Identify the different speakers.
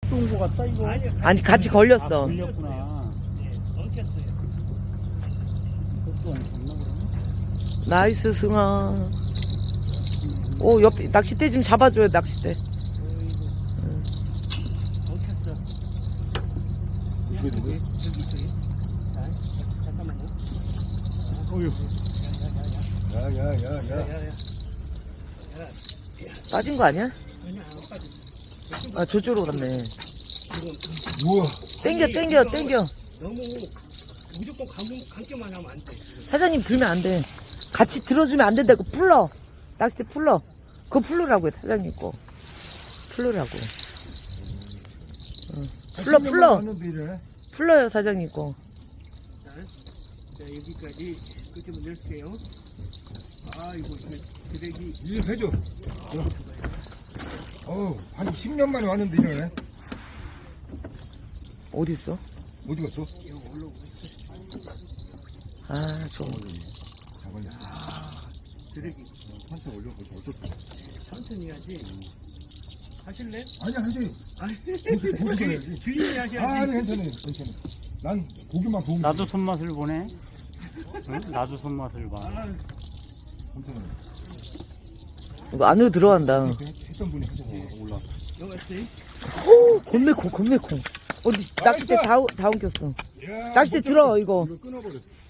Speaker 1: 또 온 거 같다 이거.
Speaker 2: 아니 같이 걸렸어.
Speaker 1: 걸렸구나. 이것도 안 잡나 그러면?
Speaker 2: 나이스 승아. 오 옆에 낚싯대 좀 잡아줘요 낚싯대.
Speaker 1: 이게 누구야? 어휴. 야야야야.
Speaker 2: 빠진 거 아니야? 아 저쪽으로 갔네.
Speaker 1: 우와.
Speaker 2: 땡겨.
Speaker 3: 너무 무조건 감기만 하면 안 돼.
Speaker 2: 사장님 들면 안 돼. 같이 들어주면 안 된다고. 풀러. 낚싯대 풀러. 그거 풀르라고요 사장님 거. 풀르라고. 풀러. 풀러요 사장님 거.
Speaker 3: 자 여기까지 그렇게 넣을게요. 아 이거 드래기
Speaker 4: 일 해줘. 한 10년 만에 왔는데 이러네.
Speaker 2: 어딨어?
Speaker 4: 어디 갔어?
Speaker 2: 아 저거.
Speaker 3: 드래기
Speaker 4: 한참 올려보자. 어떻게?
Speaker 3: 천천히 해야지. 하실래?
Speaker 4: 아니야, 하지.
Speaker 3: 아니 주인이 하셔야지.
Speaker 4: 아니, 괜찮아. 난 고기만 보면
Speaker 1: 나도 손맛을 보네. 응? 나도 손맛을 봐.
Speaker 4: 괜찮아.
Speaker 2: 이거 안으로 들어간다.
Speaker 4: 했던 분이 하셔서 올라.
Speaker 3: 여기 있어요?
Speaker 2: 오 겁내 콩. 어디 낚싯대 다 옮겼어. 낚싯대 들어 이거.
Speaker 4: 이거 끊어버려.